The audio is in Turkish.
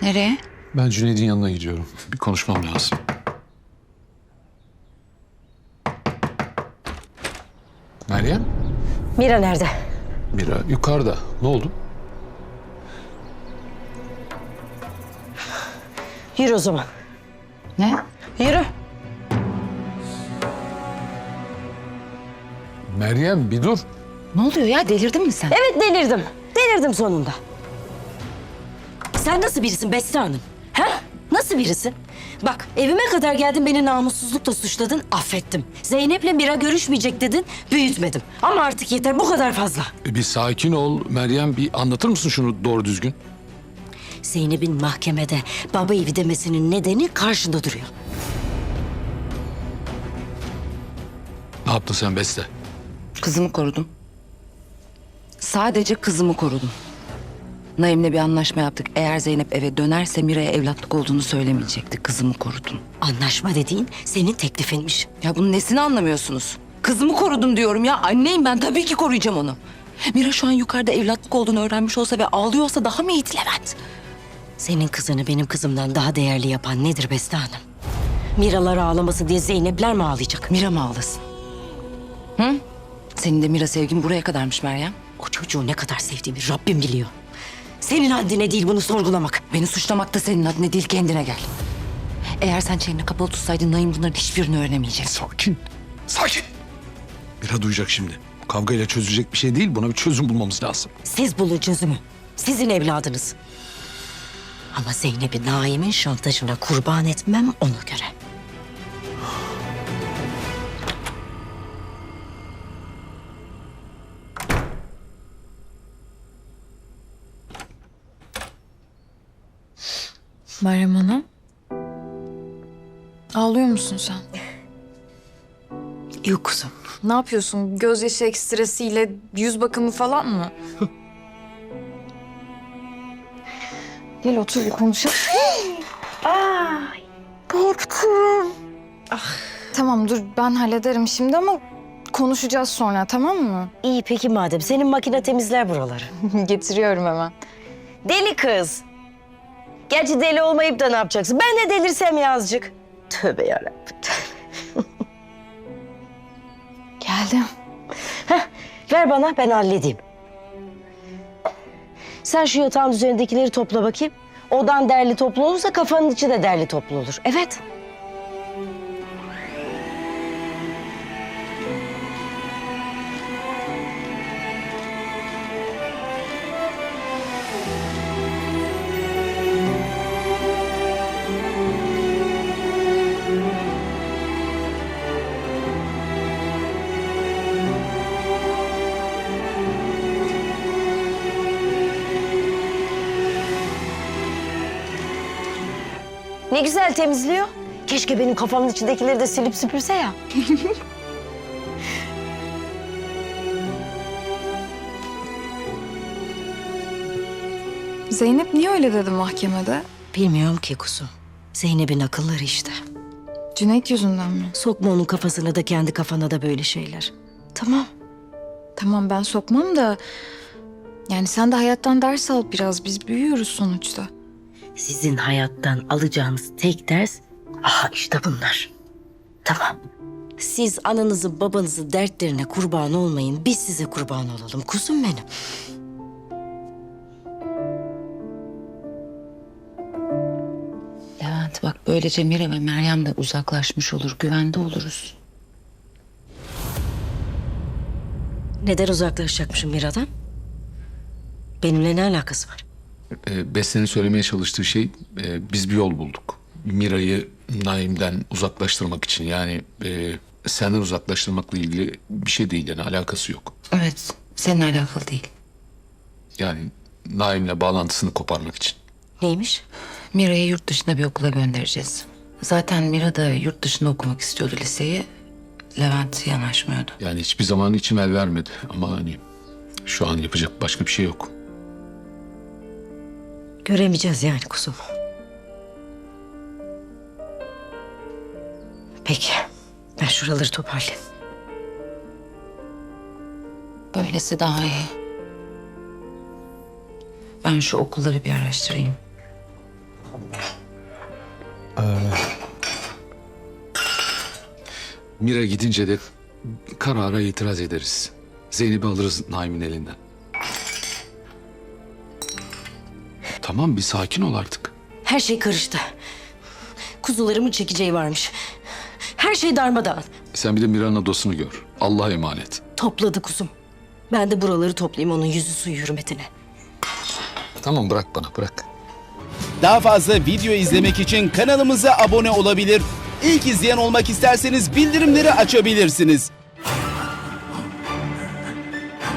Nereye? Ben Cüneyt'in yanına gidiyorum. Bir konuşmam lazım. Meryem? Mira nerede? Mira yukarıda. Ne oldu? Yürü o zaman. Ne? Yürü. Meryem bir dur. Ne oluyor ya? Delirdin mi sen? Evet delirdim. Delirdim sonunda. Sen nasıl birisin Beste Hanım? Ha? Nasıl birisin? Bak evime kadar geldin, beni namussuzlukla suçladın, affettim. Zeynep'le Mira görüşmeyecek dedin, büyütmedim. Ama artık yeter, bu kadar fazla. Bir sakin ol Meryem. Bir anlatır mısın şunu doğru düzgün? Zeynep'in mahkemede baba evi demesinin nedeni karşında duruyor. Ne yaptın sen Beste? Kızımı korudum. Sadece kızımı korudum. Naim'le bir anlaşma yaptık. Eğer Zeynep eve dönerse Mira'ya evlatlık olduğunu söylemeyecekti. Kızımı korudum. Anlaşma dediğin senin teklifinmiş. Ya bunun nesini anlamıyorsunuz? Kızımı korudum diyorum ya. Anneyim ben, tabii ki koruyacağım onu. Mira şu an yukarıda evlatlık olduğunu öğrenmiş olsa ve ağlıyorsa daha mı iyi Levent? Senin kızını benim kızımdan daha değerli yapan nedir Beste Hanım? Miralar ağlaması diye Zeynep'ler mi ağlayacak? Mira mı ağlasın? Hı? Senin de Mira sevgin buraya kadarmış Meryem. O çocuğu ne kadar sevdiğimi Rabbim biliyor. Senin haddine değil bunu sorgulamak. Beni suçlamak da senin adına değil, kendine gel. Eğer sen çeneni kapalı tutsaydın Naim bunların hiçbirini öğrenemeyecek. Sakin. Sakin. Mira duyacak şimdi. Kavgayla çözülecek bir şey değil. Buna bir çözüm bulmamız lazım. Siz bulun çözümü. Sizin evladınız. Ama Zeynep'i Naim'in şantajına kurban etmem ona göre. Meryem Hanım. Ağlıyor musun sen? Yok kuzum. Ne yapıyorsun? Gözyaşı ekstresiyle yüz bakımı falan mı? Gel otur bir konuşalım. Korktum. Tamam dur ben hallederim şimdi ama konuşacağız sonra, tamam mı? İyi peki madem. Senin makine temizler buraları. Getiriyorum hemen. Deli kız. Gerçi deli olmayıp da ne yapacaksın? Ben de delirsem ya azıcık. Tövbe yarabbim. Geldim. Ver bana, ben halledeyim. Sen şu yatağın üzerindekileri topla bakayım. Odan derli toplu olursa kafanın içi de derli toplu olur. Evet. Ne güzel temizliyor. Keşke benim kafamın içindekileri de silip süpürse ya. Zeynep niye öyle dedi mahkemede? Bilmiyorum ki kuzum. Zeynep'in akılları işte. Cüneyt yüzünden mi? Sokma onun kafasına da kendi kafana da böyle şeyler. Tamam. Tamam ben sokmam da... Yani sen de hayattan ders al biraz. Biz büyüyoruz sonuçta. Sizin hayattan alacağınız tek ders, aha işte bunlar. Tamam. Siz ananızın babanızın dertlerine kurban olmayın. Biz size kurban olalım. Kuzum benim. Levent bak, böylece Mira ve Meryem de uzaklaşmış olur, güvende oluruz. Neden uzaklaşacakmışım Mira'dan? Benimle ne alakası var? Beste'nin söylemeye çalıştığı şey, biz bir yol bulduk. Mira'yı Naim'den uzaklaştırmak için. Yani senden uzaklaştırmakla ilgili bir şey değil, yani alakası yok. Evet, seninle alakalı değil. Yani Naim'le bağlantısını koparmak için. Neymiş? Mira'yı yurt dışına bir okula göndereceğiz. Zaten Mira da yurt dışında okumak istiyordu liseyi. Levent yanaşmıyordu. Yani hiçbir zaman içim el vermedi ama hani şu an yapacak başka bir şey yok. Göremeyeceğiz yani kuzum. Peki. Ben şuraları toparlayayım. Böylesi daha iyi. Ben şu okulları bir araştırayım. Mira gidince de karara itiraz ederiz. Zeynep'i alırız Naim'in elinden. Tamam, bir sakin ol artık. Her şey karıştı. Kuzularımın çekeceği varmış. Her şey darmadağın. Sen bir de Mira'nın adosunu gör. Allah'a emanet. Topladı kuzum. Ben de buraları toplayayım onun yüzü suyu hürmetine. Tamam, bırak bana, bırak. Daha fazla video izlemek için kanalımıza abone olabilir. İlk izleyen olmak isterseniz bildirimleri açabilirsiniz.